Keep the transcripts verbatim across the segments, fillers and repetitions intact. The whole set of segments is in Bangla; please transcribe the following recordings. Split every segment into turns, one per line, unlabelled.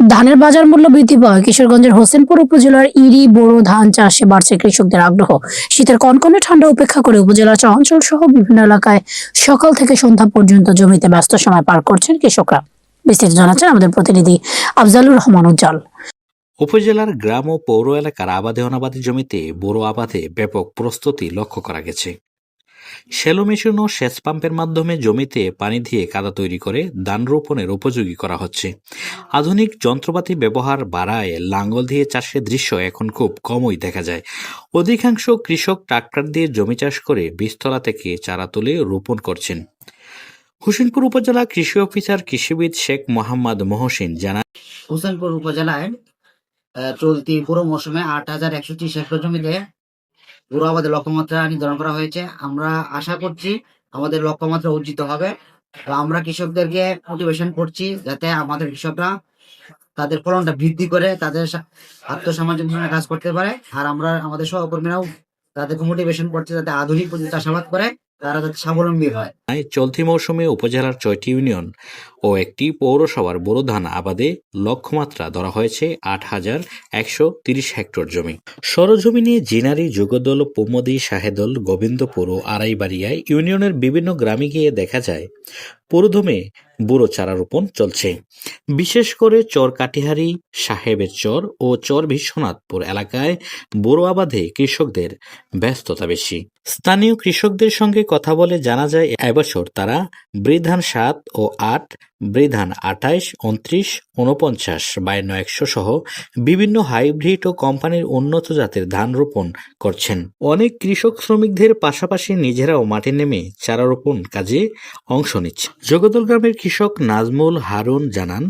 ধানের বাজার মূল্য বৃদ্ধি পাওয়ায় কিশোরগঞ্জের হোসেনপুর উপজেলার ইরি বোরো ধান চাষে বাড়ছে কৃষকদের আগ্রহ। শীতের কনকনে ঠান্ডা উপেক্ষা করে উপজেলার চরাঞ্চল সহ বিভিন্ন এলাকায় সকাল থেকে সন্ধ্যা পর্যন্ত জমিতে ব্যস্ত সময় পার করছেন কৃষকরা। বিস্তারিত জানাচ্ছেন আমাদের প্রতিনিধি আফজালুর রহমান উজ্জ্বল।
উপজেলার গ্রাম ও পৌর এলাকার আবাদে অনাবাদী জমিতে বোরো আবাদে ব্যাপক প্রস্তুতি লক্ষ্য করা গেছে। শ্যালো মেশিন ও সেচ পাম্পের মাধ্যমে জমিতে পানি দিয়ে কাদা তৈরি করে ধান রোপণের উপযোগী করা হচ্ছে। আধুনিক যন্ত্রপাতি ব্যবহার বাড়ায় লাঙ্গল দিয়ে চাষের দৃশ্য এখন খুব কমই দেখা যায়। অধিকাংশ কৃষক ট্রাক্টর দিয়ে জমি চাষ করে বীজতলা থেকে চারা তুলে রোপণ করছেন। হোসেনপুর উপজেলা কৃষি অফিসার কৃষিবিদ শেখ মোহাম্মদ মহসিন জানান,
হোসেনপুর উপজেলায় চলতি পুরো মৌসুমে আট হাজার একশো ত্রিশ হেক্টর জমিতে বোরো আবাদের লক্ষ্যমাত্রা নির্ধারণ করা হয়েছে। আমরা আশা করছি আমাদের লক্ষ্যমাত্রা অর্জিত হবে। আমরা কৃষকদেরকে মোটিভেশন করছি যাতে আমাদের কৃষকরা তাদের ফলনটা বৃদ্ধি করে তাদের আত্মসামাজিক কাজ করতে পারে। আর আমরা আমাদের সহকর্মীরাও তাদেরকে মোটিভেশন করছি যাতে আধুনিক পদ্ধতিতে চাষাবাদ করে তারা যাতে স্বাবলম্বী হয়।
চলতি মৌসুমে উপজেলার ছয়টি ইউনিয়ন ও একটি পৌরসভার বোরো ধান আবাদে লক্ষ্যমাত্রা ধরা হয়েছে আট হাজার একশো তিরিশ হেক্টর জমি। সরজমিনে জিনারি, যুগদল, পৌমদি, শাহেদল, গোবিন্দপুর ও আড়াইবাড়িয়ায় ইউনিয়নের বিভিন্ন গ্রামে গিয়ে দেখা যায় পুরোদমে বুড়ো চারা রোপণ চলছে। বিশেষ করে চর কাটিহারি, সাহেবের চর ও চর বিশ্বনাথপুর এলাকায় বোরো আবাদে কৃষকদের ব্যস্ততা বেশি। স্থানীয় কৃষকদের সঙ্গে কথা বলে জানা যায় এবছর তারা বৃধান সাত ও আট, বৃধান আঠাইশ, উনত্রিশ, উনপঞ্চাশ, বায়ান্ন একশো সহ বিভিন্ন হাইব্রিড ও কোম্পানির উন্নত জাতের ধান রোপণ করছেন। অনেক কৃষক শ্রমিকদের পাশাপাশি নিজেরাও মাঠে নেমে চারা রোপণ কাজে অংশ নিচ্ছে। জগদল গ্রামের কৃষক নাজমুল হারুন জানান,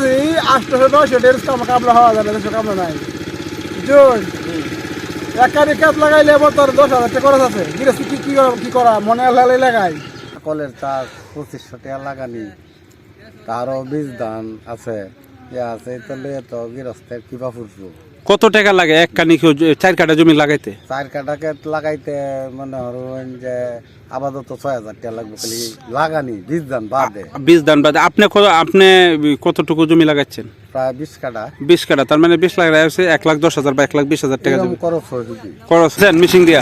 কলের চাষ পঁচিশশো টাকা লাগানি, তারও বীজ ধান আছে আছে তাহলে তো গৃহস্থের কিবা ফুটবো।
কত টাকা লাগে এক কানি চার কাটা জমি লাগাইতে?
চার কাটাকে লাগাইতে মনে হরুন যে আপাতত ছয় হাজার টাকা লাগবে খালি লাগানি বীজ ধান বাদে।
বীজ ধান বাদে আপনি আপনি কতটুকু জমি লাগাচ্ছেন?
প্রায় বিশ কাটা।
বিশ কাটা, তার মানে বিশ লাখ আছে এক লাখ দশ হাজার বা এক লাখ বিশ হাজার টাকা জমি
খরচ হয়েছে।
খরচ মিশিং দিয়া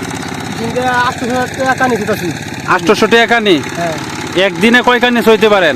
আটশোশো টাকা কানি। একদিনে কয় কানি সইতে পারেন?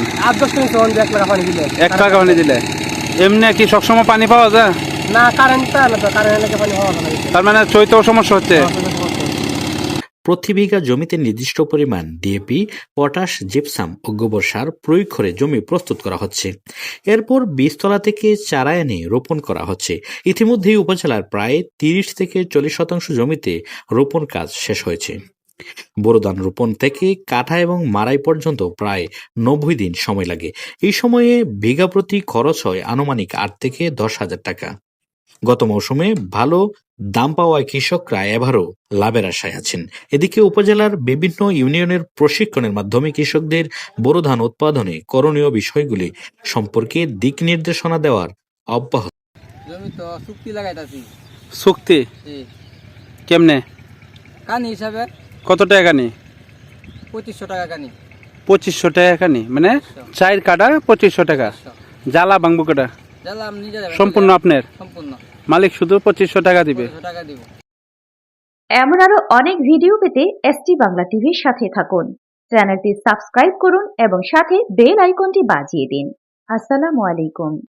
এক লাখ পানি দিলে এমনি কি সবসময় পানি পাওয়া যায়
না? কারেন্ট পানি পাওয়া যায়,
তার মানে চৈতেও সমস্যা হচ্ছে।
প্রতি বিঘা জমিতে নির্দিষ্ট পরিমাণ ডিএপি, পটাশ, জিপসাম ও গোবর সার প্রয়োগ করে জমি প্রস্তুত করা হচ্ছে। এরপর বীজতলা থেকে চারা এনে রোপণ করা হচ্ছে। ইতিমধ্যেই উপজেলার প্রায় তিরিশ থেকে চল্লিশ শতাংশ জমিতে রোপণ কাজ শেষ হয়েছে। বোরো ধান রোপণ থেকে কাটা এবং মাড়াই পর্যন্ত প্রায় নব্বই দিন সময় লাগে। এই সময়ে বিঘা প্রতি খরচ হয় আনুমানিক আট থেকে দশ হাজার টাকা। গত মৌসুমে ভালো দাম পাওয়ায় কৃষকরা এবারও লাভের আশায় আছেন। এদিকে উপজেলার বিভিন্ন ইউনিয়নের প্রশিক্ষণের মাধ্যমে কৃষকদের বোরো ধান উৎপাদনে করণীয় বিষয়গুলি সম্পর্কে দিক নির্দেশনা দেওয়ার অব্যাহত।
জমি তো চুক্তি লাগাইতাছি।
চুক্তি কেমনে?
কানি হিসাবে।
কত টাকা কানি?
পঁচিশশো টাকা কানি।
পঁচিশশো টাকা কানি মানে চার কাটা পঁচিশশো টাকা। জ্বালা বাংবু কাটা সম্পূর্ণ আপনার?
সম্পূর্ণ।
মালিক শুধু পঁচিশশো টাকা দিবে।
এমন আরো অনেক ভিডিও পেতে এসটি বাংলা টিভির সাথে থাকুন। চ্যানেলটি সাবস্ক্রাইব করুন এবং সাথে বেল আইকনটি বাজিয়ে দিন। আসসালামু আলাইকুম।